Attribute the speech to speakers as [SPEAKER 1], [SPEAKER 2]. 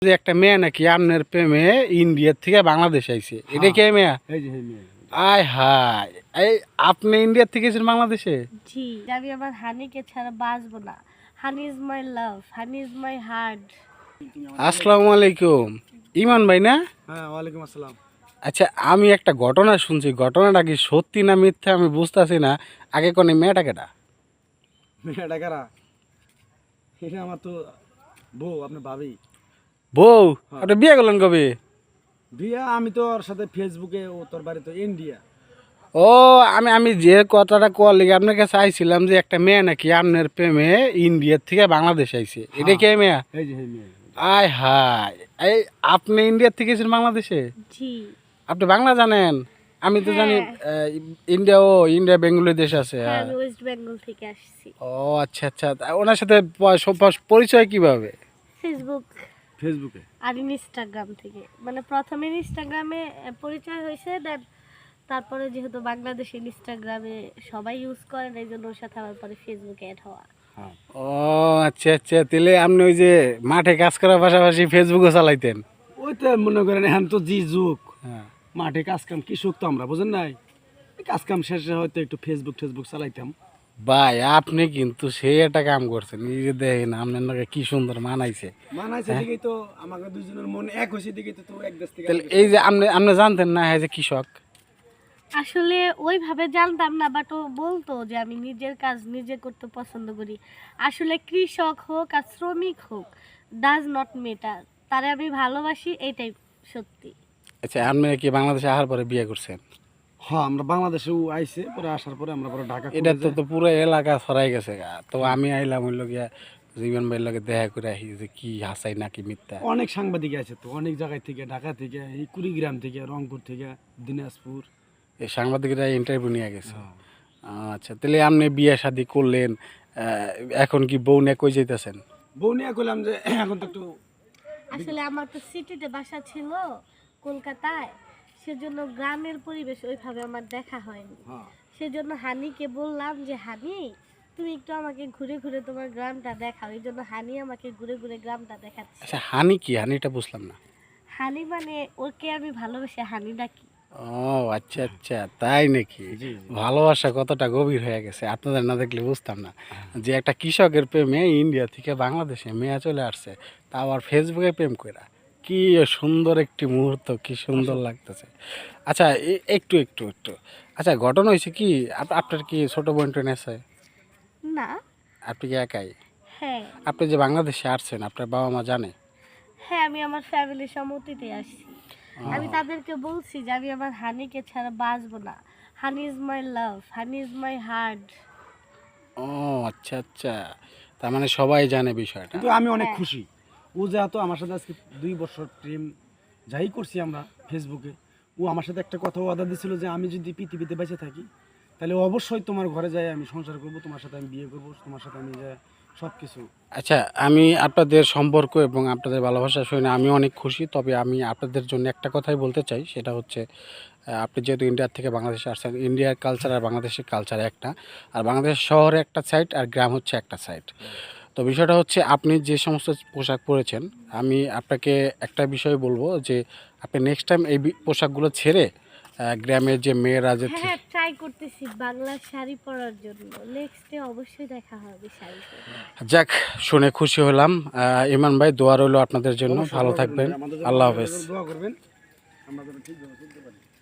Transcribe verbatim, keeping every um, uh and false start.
[SPEAKER 1] যে একটা মেয়ে নাকি আপনার প্রেমে ইন্ডিয়ার থেকে বাংলাদেশ আইছে, এটা কে মেয়ে? আয় হায়, এই আপনি ইন্ডিয়ার থেকে এসেছেন বাংলাদেশে?
[SPEAKER 2] জি, আমি আমার হানিকে ছাড়া বাঁচবো না। Honey is my love, honey is my heart.
[SPEAKER 1] আসসালামু আলাইকুম, ইমান ভাই না?
[SPEAKER 3] হ্যাঁ, ওয়ালাইকুম আসসালাম।
[SPEAKER 1] আচ্ছা, আমি একটা ঘটনা শুনছি, ঘটনাটা কি সত্যি না মিথ্যা আমি বুঝতেছি না। আগে কোন মেয়েটা কেটা?
[SPEAKER 3] মেয়েটা কারা? এটা আমার তো বউ, আপনি ভাবি।
[SPEAKER 1] বউ? আপনি বিয়ে করলেন কবে?
[SPEAKER 3] বিয়া আমি তো ওর সাথে ফেসবুকে, ও তোর বাড়ি তো ইন্ডিয়া।
[SPEAKER 1] ও, আমি আমি যে কথাটা কল লিগে আপনার কাছে আইছিলাম যে একটা মেয়ে নাকি আপনার প্রেমে ইন্ডিয়ার থেকে বাংলাদেশ আইছে, এটা কে মেয়ে?
[SPEAKER 3] এই যে মেয়ে।
[SPEAKER 1] আয় হায়, এই আপনি ইন্ডিয়ার থেকে এসেছেন বাংলাদেশে?
[SPEAKER 2] জি।
[SPEAKER 1] আপনি বাংলা জানেন? আমি তো জানি
[SPEAKER 2] হ্যাঁ।
[SPEAKER 1] ইন্ডিয়া, ও ইন্ডিয়া বেঙ্গলি দেশ আছে।
[SPEAKER 2] হ্যাঁ, আমি ওয়েস্ট বেঙ্গল থেকে আসছি।
[SPEAKER 1] ও আচ্ছা আচ্ছা, তা ওনার সাথে প- সব- পরিচয় কিভাবে?
[SPEAKER 2] ফেসবুক
[SPEAKER 3] ফেসবুকে
[SPEAKER 2] আর ইনস্টাগ্রাম থেকে, মানে প্রথমে ইনস্টাগ্রামে পরিচয় হয়েছে, দেন তারপরে যেহেতু বাংলাদেশ ইনস্টাগ্রামে সবাই ইউজ করেন, এই জন্য ওর সাথে আমার পরে ফেসবুকে অ্যাড হওয়া।
[SPEAKER 1] ও আচ্ছা আচ্ছা, তাহলে আপনি ওই যে মাঠে কাজ করার পাশাপাশি ফেসবুকও চালাইতেন?
[SPEAKER 3] ওই তো মনে করেন এখন তো জি যুগ,
[SPEAKER 1] হ্যাঁ।
[SPEAKER 3] মাঠে কাজ কাম কৃষক তো আমরা, বুঝেন নাই? এই কাজ কাম শেষে হয়তো একটু ফেসবুক ফেসবুক চালাইতাম।
[SPEAKER 1] ভাই, আপনি কিন্তু সেই একটা কাম করছেন, নিজে দেখেন আপনার নাকি কি সুন্দর মানাইছে।
[SPEAKER 3] মানাইছে দিকেই তো আমাকে দুজনের মন এক হয়েছে দিকেই তো, তো এক দেশ থেকে
[SPEAKER 1] তাহলে এই যে আপনি আপনি জানতেন না হ্যাঁ যে কৃষক?
[SPEAKER 2] আসলে ওইভাবে জানতাম না, বাট ও বলতো যে আমি নিজের কাজ নিজে করতে পছন্দ করি। আসলে কৃষক হোক আর শ্রমিক হোক, ডাজ নট ম্যাটার, তারে আমি ভালোবাসি, এইটাই সত্যি।
[SPEAKER 1] আচ্ছা, আপনি কি বাংলাদেশে আসার পরে বিয়ে করছেন?
[SPEAKER 3] হ্যাঁ, আমরা বাংলাদেশে ও আইছে, পরে আসার পরে আমরা পরে ঢাকা
[SPEAKER 1] এটা তো তো পুরো এলাকা ছড়াই গেছে গা। তো আমি আইলাম হইল গিয়া জীবন ভাইয়ের লগে দেখা করে আহি যে কি হাসাই নাকি মিথ্যা।
[SPEAKER 3] অনেক সাংবাদিক আছে তো, অনেক জায়গায় থেকে, ঢাকা থেকে, এই কুড়িগ্রাম থেকে, রংপুর থেকে, দিনাজপুর।
[SPEAKER 1] এই সাংবাদিকরা ইন্টারভিউ নিয়ে গেছে। আচ্ছা, তাহলে আপনি বিয়ে শাদি করলেন, আহ, এখন কি বউ নিয়ে কই যাইতেছেন?
[SPEAKER 3] বউ নিয়ে করলাম যে এখন তো একটু
[SPEAKER 2] আসলে আমার তো সিটিতে বাসা ছিল, কলকাতায়, সেজন্য গ্রামের পরিবেশ ওইভাবে আমার দেখা হয়নি।
[SPEAKER 3] হ্যাঁ
[SPEAKER 2] সেজন্য হানিকে বললাম যে হানি, তুমি একটু আমাকে ঘুরে ঘুরে তোমার গ্রামটা দেখাও। এই জন্য হানি আমাকে ঘুরে ঘুরে গ্রামটা দেখাচ্ছে।
[SPEAKER 1] আচ্ছা, হানি কি? হানিটা বুঝলাম না।
[SPEAKER 2] হানি মানে ওকে আমি ভালোবেসে হানি ডাকি।
[SPEAKER 1] ও আচ্ছা আচ্ছা, তাই নাকি? ভালোবাসা কতটা গভীর হয়ে গেছে, আপনাদের না দেখলে বুঝতাম না যে একটা কৃষকের প্রেমে ইন্ডিয়া থেকে বাংলাদেশে মেয়ে চলে আসছে, তা আবার ফেসবুকে প্রেম কইরা। কি সুন্দর একটি মুহূর্ত, কি সুন্দর লাগতেছে। আচ্ছা, এ- একটু একটু একটু আচ্ছা, ঘটনা হয়েছে কি, আপ- আপনার কি ছোট বোন টোন আছে?
[SPEAKER 2] না।
[SPEAKER 1] আপনি কি একাই?
[SPEAKER 2] হ্যাঁ।
[SPEAKER 1] আপনি যে বাংলাদেশে আসছেন, আপনার বাবা মা জানে?
[SPEAKER 2] হ্যাঁ, আমি আমার ফ্যামিলির সম্মতিতে আসছি। আমি তাদেরকে বলছি যে আমি আমার হানিকে ছাড়া বাঁচবো না। Honey is my love, honey is my heart.
[SPEAKER 1] ও আচ্ছা আচ্ছা, তার মানে সবাই জানে বিষয়টা।
[SPEAKER 3] কিন্তু আমি অনেক
[SPEAKER 2] হ্যাঁ।
[SPEAKER 3] খুশি, ও যেহেতু আমার সাথে আজকে দুই বছর প্রেম যাই করছি আমরা ফেসবুকে, ও আমার সাথে একটা কথা ওয়াদা দিয়েছিল যে আমি যদি পৃথিবীতে বেঁচে থাকি তাহলে অবশ্যই তোমার ঘরে যাই আমি সংসার করব, তোমার সাথে আমি বিয়ে করব, তোমার সাথে আমি যাই সব কিছু।
[SPEAKER 1] আচ্ছা, আমি আপনাদের সম্পর্ক এবং আপনাদের ভালোবাসা শুনে আমি অনেক খুশি। তবে আমি আপনাদের জন্য একটা কথাই বলতে চাই, সেটা হচ্ছে আহ, আপনি যেহেতু ইন্ডিয়ার থেকে বাংলাদেশে আসছেন, ইন্ডিয়ার কালচার আর বাংলাদেশের কালচার একটা, আর বাংলাদেশের শহরে একটা সাইড আর গ্রাম হচ্ছে একটা সাইড। তো বিষয়টা হচ্ছে আপনি যে সমস্ত পোশাক পরেছেন, আমি আপনাকে একটা বিষয় বলবো যে আপনি নেক্সট টাইম এই বি- পোশাকগুলো ছেড়ে আহ, গ্রামের যে মেয়েরা যে
[SPEAKER 2] হ্যাঁ হ্যাঁ, ট্রাই করতেছি বাংলা শাড়ি পরার জন্য। নেক্সটে অবশ্যই দেখা হবে শাড়ি পরে।
[SPEAKER 1] যাক, শুনে খুশি হলাম। আহ, ইমান ভাই, দোয়া রইল আপনাদের জন্য,
[SPEAKER 3] অবশ্যই
[SPEAKER 1] ভালো
[SPEAKER 3] দোয়া করবেন,
[SPEAKER 1] থাকবেন।
[SPEAKER 3] আমাদের জন্য
[SPEAKER 1] আল্লাহ
[SPEAKER 3] আমাদের
[SPEAKER 1] হাফেজ।
[SPEAKER 3] জন্য দোয়া করবেন, আমরা যেন ঠিকভাবে চলতে পারি।